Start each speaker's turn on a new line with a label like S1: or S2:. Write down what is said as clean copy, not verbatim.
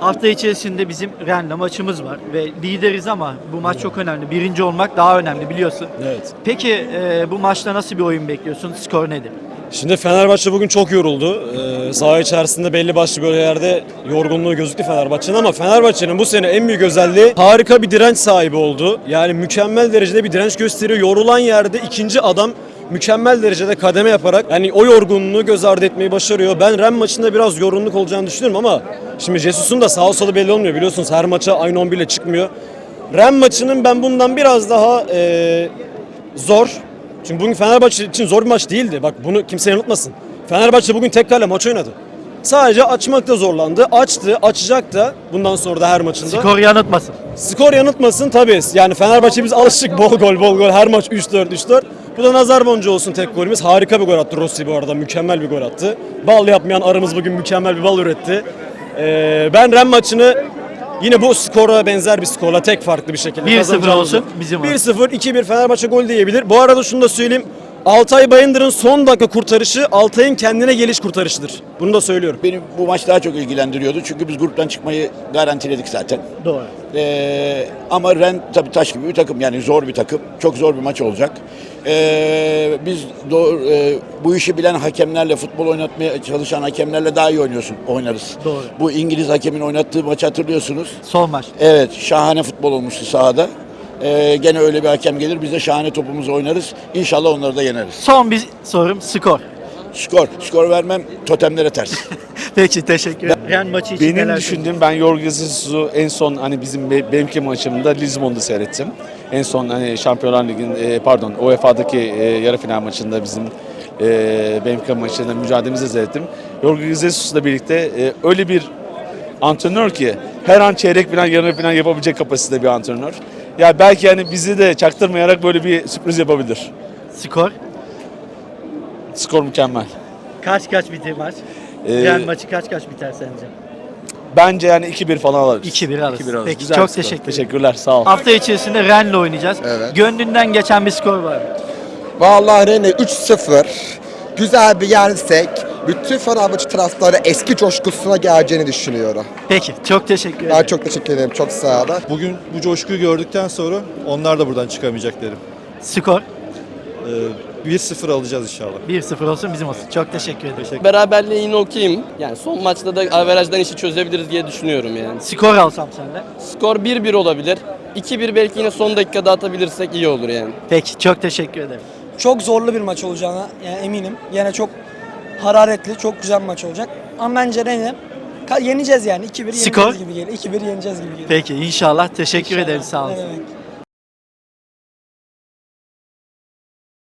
S1: Hafta içerisinde bizim Rennes'le maçımız var ve lideriz ama bu maç çok önemli. Birinci olmak daha önemli biliyorsun.
S2: Evet.
S1: Peki bu maçta nasıl bir oyun bekliyorsun? Skor nedir?
S2: Şimdi Fenerbahçe bugün çok yoruldu. Saha içerisinde belli başlı bölgelerde yorgunluğu gözüktü Fenerbahçe'nin ama Fenerbahçe'nin bu sene en büyük özelliği harika bir direnç sahibi oldu. Yani mükemmel derecede bir direnç gösteriyor. Yorulan yerde ikinci adam mükemmel derecede kademe yaparak yani o yorgunluğu göz ardı etmeyi başarıyor. Ben Rennes maçında biraz yorgunluk olacağını düşünüyorum ama şimdi Jesus'un da sağ solu belli olmuyor. Biliyorsunuz her maça aynı 11 ile çıkmıyor. Rennes maçının ben bundan biraz daha zor. Çünkü bugün Fenerbahçe için zor bir maç değildi. Bak bunu kimse yanıltmasın. Fenerbahçe bugün tek kale maç oynadı. Sadece açmakta zorlandı. Açtı, açacak da bundan sonra da her maçında.
S1: Skor yanıltmasın.
S2: Skor yanıltmasın tabii. Yani Fenerbahçe biz alıştık bol gol. Her maç 3-4, 3-4. Bu da nazar boncuğu olsun tek golümüz. Harika bir gol attı Rossi bu arada. Mükemmel bir gol attı. Bal yapmayan arımız bugün mükemmel bir bal üretti. Ben Rennes maçını yine bu skora benzer bir skorla tek farklı bir şekilde
S1: 1-0 olsun bizim
S2: 1-0, 2-1 Fenerbahçe gol diyebilir. Bu arada şunu da söyleyeyim. Altay Bayındır'ın son dakika kurtarışı Altay'ın kendine geliş kurtarışıdır. Bunu da söylüyorum.
S3: Beni bu maç daha çok ilgilendiriyordu çünkü biz gruptan çıkmayı garantiledik zaten.
S1: Doğru.
S3: Ama Rennes tabii taş gibi bir takım, yani zor bir takım. Çok zor bir maç olacak. Biz bu işi bilen hakemlerle, futbol oynatmaya çalışan hakemlerle daha iyi oynarız.
S1: Doğru.
S3: Bu İngiliz hakemin oynattığı maçı hatırlıyorsunuz.
S1: Son maç.
S3: Evet, şahane futbol olmuştu sahada. Gene öyle bir hakem gelir, biz de şahane topumuzu oynarız. İnşallah onları da yeneriz.
S1: Son bir sorum skor.
S3: Skor vermem, totemlere ters.
S1: Peki teşekkür ederim. Rennes maçı için
S4: Benim
S1: neler
S4: düşündüğüm, ben Jorge Jesus'u en son hani benimki maçımda Lisbon'da seyrettim. En son hani Şampiyonlar Ligi'nin UEFA'daki yarı final maçında bizim benimki maçında mücadelemizi seyrettim. Jorge Jesus'la birlikte öyle bir antrenör ki her an çeyrek final, yarı final yapabilecek kapasitede bir antrenör. Ya belki yani bizi de çaktırmayarak böyle bir sürpriz yapabilir.
S1: Skor.
S4: Skor mükemmel.
S1: Kaç biter maç? Rennes maçı kaç biter sence?
S4: Bence yani 2-1 falan alırız.
S1: 2-1 alırız.
S4: 2-1 alırız.
S1: Peki,
S4: Güzel
S1: çok
S4: bir skor.
S1: teşekkür ederim.
S4: Teşekkürler, sağ ol.
S1: Hafta içerisinde Rennes'le oynayacağız.
S5: Evet.
S1: Gönlünden geçen bir skor var mı?
S5: Vallahi Rennes 3-0. Güzel bir yersek bütün Fenerbahçe taraftarı eski coşkusuna geleceğini düşünüyorum.
S1: Peki, çok teşekkür ederim.
S5: Ben çok teşekkür ederim. Çok sağ olun.
S6: Bugün bu coşkuyu gördükten sonra onlar da buradan çıkamayacak derim.
S1: Skor
S6: 1-0 alacağız inşallah.
S1: 1-0 olsun bizim olsun. Çok teşekkür ederim.
S7: Beraberliğe yine okeyim. Yani son maçta da averajdan işi çözebiliriz diye düşünüyorum yani.
S1: Skor alsam senden.
S7: Skor 1-1 olabilir. 2-1 belki yine son dakikada atabilirsek iyi olur yani.
S1: Peki, çok teşekkür ederim.
S8: Çok zorlu bir maç olacağına yani eminim. Yine çok hararetli, çok güzel bir maç olacak. Ama bence Rennes'i yeneceğiz yani. 2-1
S1: Skor?
S8: yeneceğiz gibi geliyor. 2-1 yeneceğiz gibi geliyor.
S1: Peki, inşallah. Teşekkür
S8: İnşallah.
S1: ederim. Sağ olun.
S8: Ne demek.